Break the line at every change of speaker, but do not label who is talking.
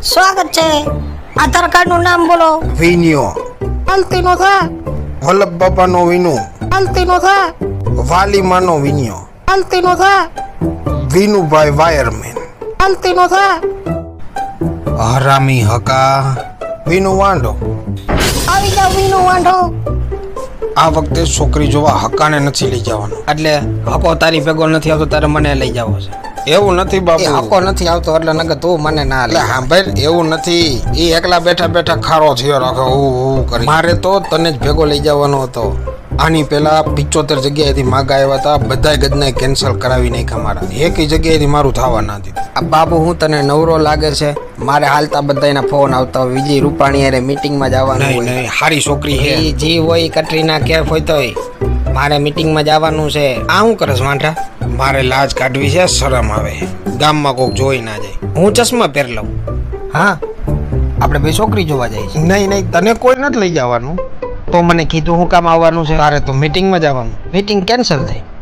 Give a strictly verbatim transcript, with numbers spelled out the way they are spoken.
સ્વાગત છે. આધાર કાર્ડ નું નામ બોલો.
વિન્યો.
હાલતી નો થા.
વલ્લભ બાપાનો વિનુ.
હાલતી નો થા.
વાલીમાનો વિન્યો.
હાલતી નો થા.
વિનુભાઈ વાયરમેન.
હાલતી નો થા.
હરામી હકા. વિનુ વાંઢો.
આવી જાવ વીનો વાંઢો.
આ વખતે છોકરી જોવા હકાને નથી લઈ જવાનો.
એટલે હકો તારી ભેગો નથી આવતો તારે મને લઈ જવો છે.
એવું નથી
એ
બાપુ.
હકો નથી આવતો એટલે નકર તું મને ના
એટલે
લે.
હા ભાઈ એવું નથી. એ એકલા બેઠા બેઠા ખારો થયો રાખે હું હું કરી. મારે તો તને જ ભેગો લઈ જવાનો હતો. આની પેલા પિચોતેર જગ્યાએથી માગા આવ્યા હતા, બધાય ગજને કેન્સલ કરાવી નાખ્યા મારા. એકેય જગ્યાએથી મારું થવા ના દીધું.
આ બાબુ હું તને નવરો લાગે છે? મારે હાલતા બધાયના ફોન આવતા હોય. વિજય રૂપાણી હારે મીટિંગમાં જવાનું
નહીં
હોય.
નહીં હારી છોકરી છે.
ઈ જી હોય કટરીના કેફ હોય તોય મારે મીટિંગમાં જવાનું છે. આ હું કરસ વાંઢા?
મારે લાજ કાઢવી છે, શરમ આવે. ગામમાં કોક જોઈ ના જાય.
હું ચશ્મા પહેર લઉં. હા આપણે બે છોકરી જોવા જાય છે.
નહીં નહીં તને કોઈ નથી લઈ જવાનું.
તો મને કીધું હું કામ આવવાનું છે?
તારે તો મીટિંગમાં જવાનું.
મીટિંગ કેન્સલ થઈ.